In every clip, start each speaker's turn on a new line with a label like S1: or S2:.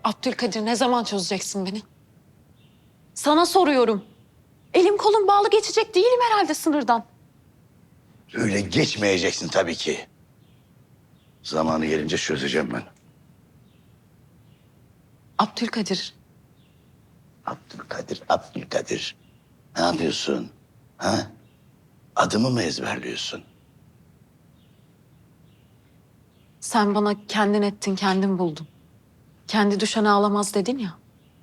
S1: Abdülkadir, ne zaman çözeceksin beni? Sana soruyorum. Elim kolum bağlı, geçecek değilim herhalde sınırdan.
S2: Öyle geçmeyeceksin tabii ki. Zamanı gelince çözeceğim ben.
S1: Abdülkadir,
S2: Abdülkadir. Ne yapıyorsun? Ha? Adımı mı ezberliyorsun?
S1: sen bana kendin ettin, kendin buldun. Kendi düşen ağlamaz dedin ya.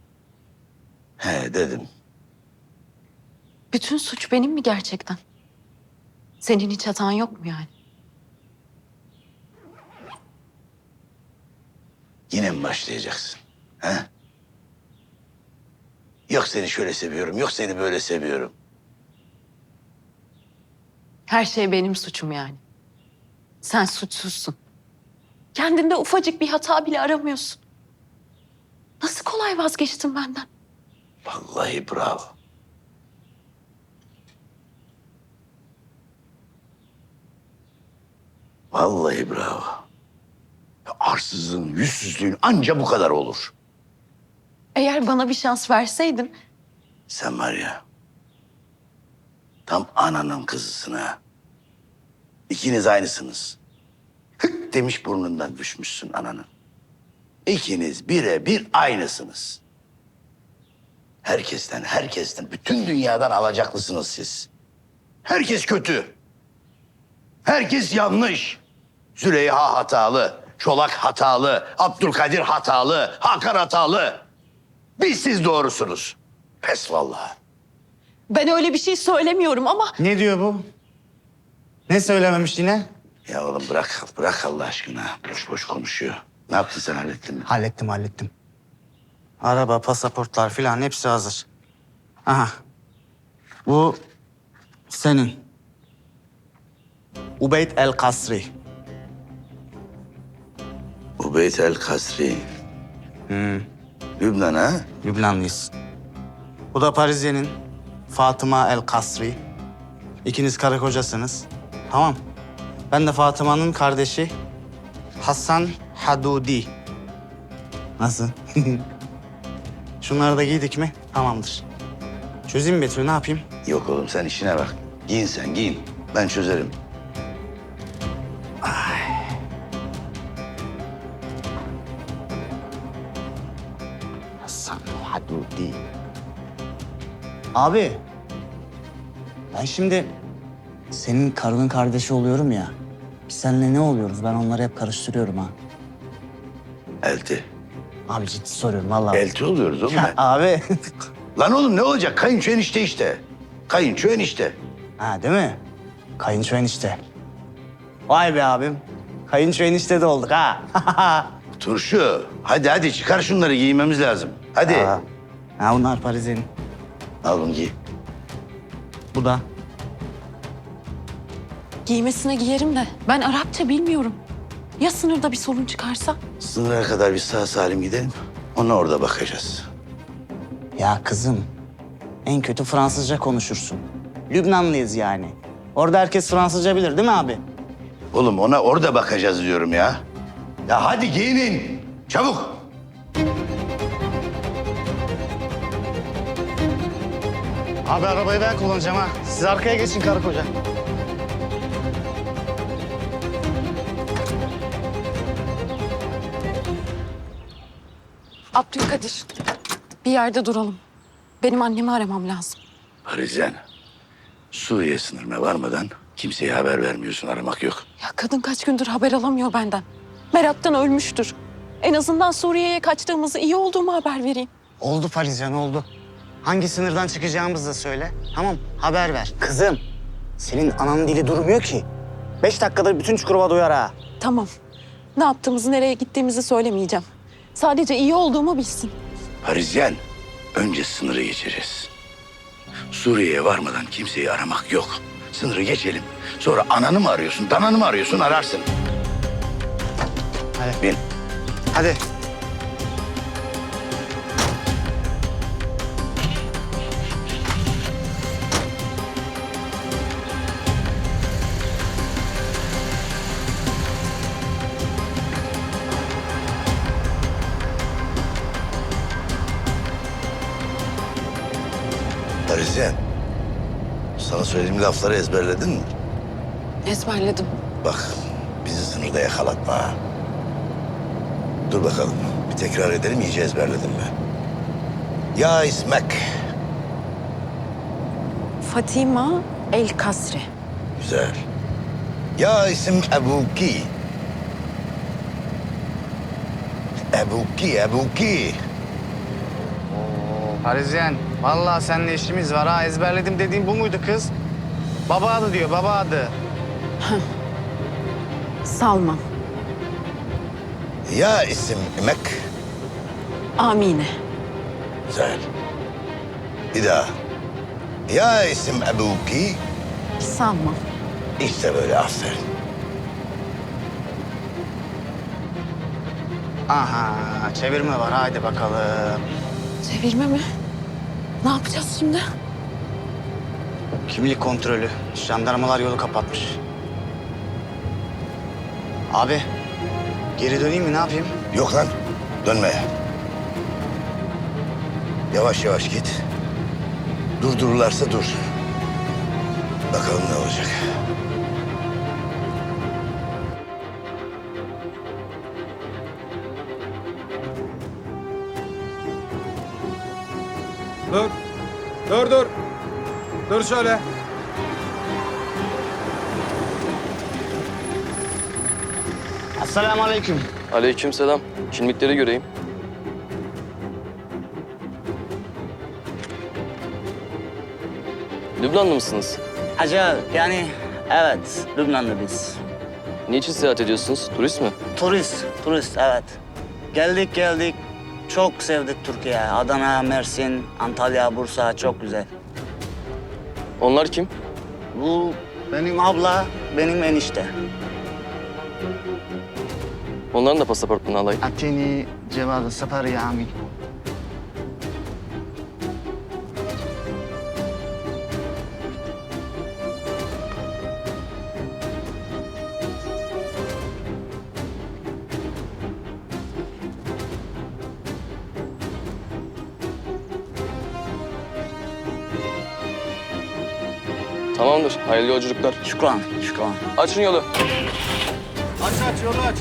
S2: He dedim.
S1: Bütün suç benim mi gerçekten? Senin hiç hatan yok mu yani?
S2: Yine mi başlayacaksın? He? Yok seni şöyle seviyorum, yok seni böyle seviyorum.
S1: Her şey benim suçum yani. Sen suçsuzsun. Kendinde ufacık bir hata bile aramıyorsun. Nasıl kolay vazgeçtin benden?
S2: Vallahi bravo. Vallahi bravo. Arsızlığın, yüzsüzlüğün anca bu kadar olur.
S1: Eğer bana bir şans verseydin...
S2: Sen var ya, tam ananın kızısın ha. İkiniz aynısınız. Hık demiş burnundan düşmüşsün ananın. İkiniz birebir aynısınız. Herkesten, bütün dünyadan alacaklısınız siz. Herkes kötü. Herkes yanlış. Züleyha hatalı, Çolak hatalı, Abdülkadir hatalı, Hakan hatalı. Biz siz doğrusunuz. Pes vallahi.
S1: Ben öyle bir şey söylemiyorum ama...
S3: Ne diyor bu? Ne söylememiş yine?
S2: Ya oğlum bırak Allah aşkına. Boş boş konuşuyor. Ne yaptın sen, hallettin mi?
S3: Hallettim. Araba, pasaportlar filan hepsi hazır. Aha. Bu senin. Ubeyd El Kasri.
S2: Ubeyt el Kasri. Lübnan ha?
S3: Lübnanlıyız. Bu da Parisye'nin Fatıma El Kasri. İkiniz karı kocasınız. Tamam. Ben de Fatıma'nın kardeşi Hasan Hadudi. Nasıl? Şunları da giydik mi? Tamamdır. Çözeyim mi Betül, ne yapayım?
S2: Yok oğlum sen işine bak. Giyin sen giyin. Ben çözerim.
S3: Hasan Hadudi. Abi, ben şimdi senin karının kardeşi oluyorum ya. Biz seninle ne oluyoruz? Ben onları hep karıştırıyorum ha.
S2: Elti.
S3: Abi ciddi soruyorum vallahi.
S2: Elti oluyoruz oğlum.
S3: Ya abi.
S2: Lan oğlum ne olacak? Kayınço enişte işte. Kayınço enişte.
S3: Ha değil mi? Kayınço enişte. Vay be abim. Kayınço enişte de olduk ha.
S2: Turşu. Hadi çıkar şunları, giymemiz lazım. Hadi.
S3: Aa, ha bunlar Paris'in.
S2: Al bunu giy.
S3: Bu da.
S1: Giymesine giyerim de ben Arapça bilmiyorum. Ya sınırda bir sorun çıkarsa?
S2: Sınıra kadar bir sağ salim gidelim. Ona orada bakacağız.
S3: Ya kızım, en kötü Fransızca konuşursun. Lübnanlıyız yani. Orada herkes Fransızca bilir değil mi abi?
S2: Oğlum ona orada bakacağız diyorum ya. Ya hadi giyinin. Çabuk.
S3: Abi arabayı ben kullanacağım ha. Siz arkaya geçin karı koca.
S1: Abdülkadir, bir yerde duralım. Benim annemi aramam lazım.
S2: Parisyen. Suriye sınırına varmadan kimseye haber vermiyorsun, aramak yok.
S1: Ya kadın kaç gündür haber alamıyor benden. Meraktan ölmüştür. En azından Suriye'ye kaçtığımızı, iyi olduğumu haber vereyim.
S3: Oldu Parisyen oldu. Hangi sınırdan çıkacağımızı da söyle. Tamam haber ver. Kızım senin ananın dili durmuyor ki. 5 dakikada bütün Çukurova duyar ha.
S1: Tamam. Ne yaptığımızı, nereye gittiğimizi söylemeyeceğim. Sadece iyi olduğumu bilsin.
S2: Parisyen. Önce sınırı geçeceğiz. Suriye'ye varmadan kimseyi aramak yok. Sınırı geçelim. Sonra ananı mı arıyorsun, dananı mı arıyorsun, ararsın.
S3: Hadi.
S2: Bin.
S3: Hadi.
S2: Parisyen, sana söylediğim lafları ezberledin mi?
S1: Ezberledim.
S2: Bak, bizi sınırda yakalatma ha. Dur bakalım, bir tekrar edelim, iyice ezberledin mi? Ya ismek.
S1: Fatima El Kasri.
S2: Güzel. Ya isim Ebuki. Ebuki.
S3: Oo, Parisyen, vallahi seninle işimiz var ha. Ezberledim dediğin bu muydu kız? Baba adı diyor, baba adı.
S1: Salman.
S2: Ya isim Emek.
S1: Amine.
S2: Güzel. Bir daha. Ya isim Ebuki.
S1: Salman.
S2: İşte böyle, aferin.
S3: Aha, çevirme var. Haydi bakalım.
S1: Çevirme mi? Ne yapacağız şimdi?
S3: Kimlik kontrolü. Jandarmalar yolu kapatmış. Abi, geri döneyim mi? Ne yapayım?
S2: Yok lan, dönme. Yavaş yavaş git. Durdururlarsa dur. Bakalım ne olacak.
S4: Dur. Dur. Dur şöyle.
S3: Esselamu aleyküm.
S5: Aleykümselam. Kimlikleri göreyim. Lübnanlı mısınız?
S3: Hacı, yani evet, Lübnanlı biz.
S5: Niçin seyahat ediyorsunuz? Turist mi?
S3: Turist evet. Geldik. Çok sevdik Türkiye. Adana, Mersin, Antalya, Bursa çok güzel.
S5: Onlar kim?
S3: Bu benim abla, benim enişte.
S5: Onların da pasaportunu alayım.
S3: Atini cevazı sefer yani.
S5: Tamamdır. Hayırlı yolculuklar.
S3: Şükran.
S5: Açın yolu.
S4: Aç yolu aç.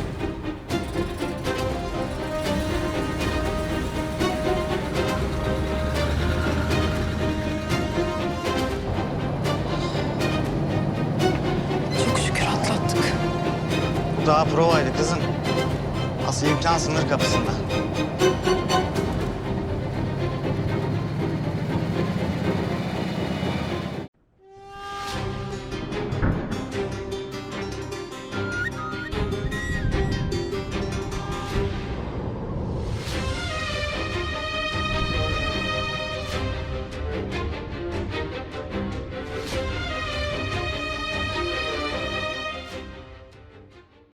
S1: Çok şükür atlattık.
S3: Bu daha provaydı kızım. Asıl imkan sınır kapısında.